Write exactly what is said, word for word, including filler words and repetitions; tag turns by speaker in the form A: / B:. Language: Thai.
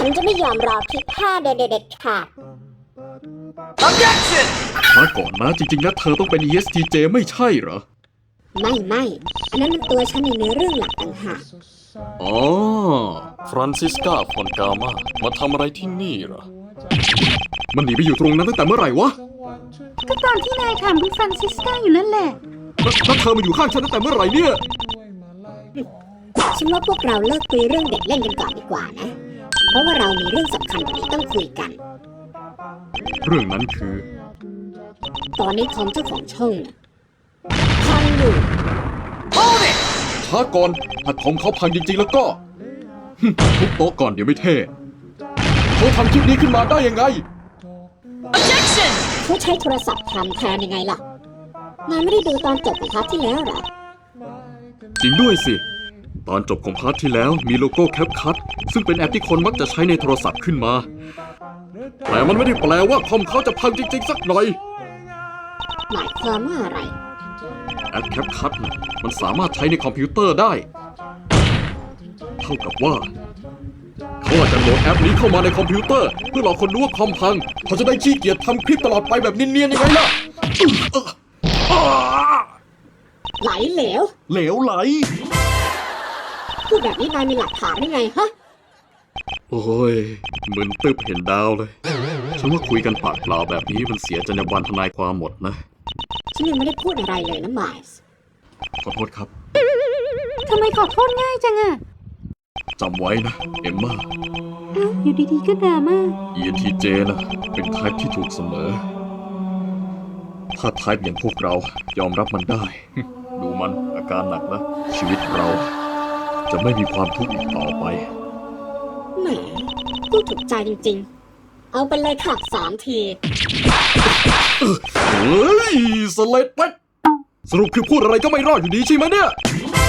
A: ฉันจะไม่ยอมรอคลิปห้าเด็ดเด็ดขาด
B: Objection
C: ช้าก่อนนะจริงๆแล้วเธอต้องเป็น อี เอส ที เจ ไม่ใช่เหรอ
A: ไม่ไม่อันนั้นมันตัวฉันในเนื้อเรื่องหลักต่างหาก
C: อ๋อ ฟรานซิสกา ฟอนกามามาทำอะไรที่นี่เหรอ มันหนีไปอยู่ตรงนั้นตั้งแต่เมื่อไหร่วะ
D: ก็ตอนที่นายถามคุณฟรานซิสกาอยู่นั่นแหละ
C: แล้วแล้วเธอมาอยู่ข้างฉันตั้งแต่เมื่อไหร่เนี่ย
A: ฉันว่าพวกเราเลิกคุยเรื่องเด็กเล่นกันก่อนดีกว่านะ เพราะว่าเรามีเรื่องสำคัญกว่านี้ต้องคุยกัน
C: เรื่องนั้นคือ
A: ตอนนี้คอมเจ้าของช่องน่ะพังอยู่
B: Hold it
C: ช้าก่อนถ้าของเขาพังจริงๆแล้วก็หึทุบโต๊ะก่อนเดี๋ยวไม่เท่เขาทำคลิปนี้ขึ้นมาได้ยังไง
B: Objection
A: เขาใช้โทรศัพท์ทำแทนยังไงล่ะ นายไม่ได้ดูตอนจบของพาร์ทที่แล้วเหรอ
C: จริงด้วยสิ ตอนจบของพาร์ทที่แล้วมีโลโก้แคปคัทซึ่งเป็นแอปที่คนมักจะใช้ในโทรศัพท์ขึ้นมา แต่มันไม่ได้แปลว่าคอมเขาจะพังจริงๆสักหน่อย
A: หมายความว่าอะไร
C: แอปแคปคัทนะมันสามารถใช้ในคอมพิวเตอร์ได้ เท่ากับว่า เขาอาจจะโหลดแอปนี้เข้ามาในคอมพิวเตอร์ เพื่อหลอกคนรู้ว่าคอมพัง เขาจะได้ขี้เกียจทำคลิปตลอดไปแบบเนียนๆยังไงล่ะอื้อเอ่ออ้า
A: ไหลเหลว
C: เหลวไหล
A: พูดแบบนี้นายมีหลักฐานได้ไงฮะ
C: โอ้ยเหมือนตึบเห็นดาวเลย ฉันว่าคุยกันปากเปล่าแบบนี้มันเสียจรรยาบรรณทนายความหมดนะ
A: ฉันยังไม่ได้พูดอะไรเลยนะไมล์ส์
C: ขอโทษครับ
D: ทำไมขอโทษง่ายจังอะ
C: จำไว้นะ เอมมา
D: อ้าวอยู่ดีๆก็ดราม่า
C: อี เอ็น ที เจ นะเป็นไทป์ที่ถูกเสมอ ถ้าไทป์อย่างพวกเรายอมรับมันได้ ดูมันอาการหนักนะ ชีวิตเรา จะไม่มีความทุกข์อีกต่อไป
A: แหมพูดถูกใจจริงๆ เอาไปเลยค่ะสามที
C: เฮ้ยสเลดเป็ดสรุปคือพูดอะไรก็ไม่รอดอยู่ดีใช่ไหมเนี่ย